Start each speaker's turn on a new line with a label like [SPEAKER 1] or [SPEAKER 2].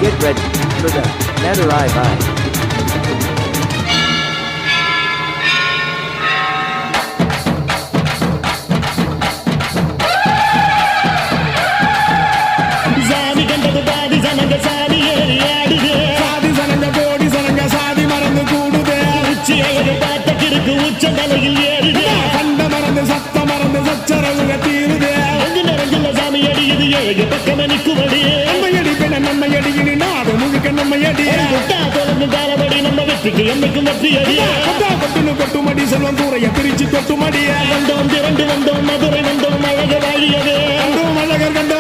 [SPEAKER 1] Get ready for the Madurai vibe.
[SPEAKER 2] சாதி கண்டது பாதி சனங்க சாதி ஏறி ஆடுது
[SPEAKER 3] சாதி சனங்க கோடி சனங்க சாதி மறந்து கூடுது
[SPEAKER 2] உச்சி அழகு பார்த்த கிறுக்கு உச்ச தலையில் ஏறுது
[SPEAKER 3] கண்ட மறந்து சத்த மறந்து சச்சரவுக தீருது
[SPEAKER 2] எங்கு நிறைஞ்சுள்ள சாமி அடியுது ஏழு பக்கம் நிற்குமடி
[SPEAKER 3] நம்மையடி பின்ன நம்மையடி இனி நாடு முழுக்க நம்மையடி
[SPEAKER 2] கொட்டா தொடர்ந்து காலபடி நம்ம வெற்றிக்கு என்னைக்கும் வெற்றி அடி
[SPEAKER 3] கொட்டா கொட்டுன்னு கொட்டுமடி செல்வம் கூரைய பிரிச்சு கொட்டுமடி
[SPEAKER 2] வந்தோம் திரண்டு வந்தோம் மதுரை வந்தோம் அழக வாழியது
[SPEAKER 3] அழகர் கண்ட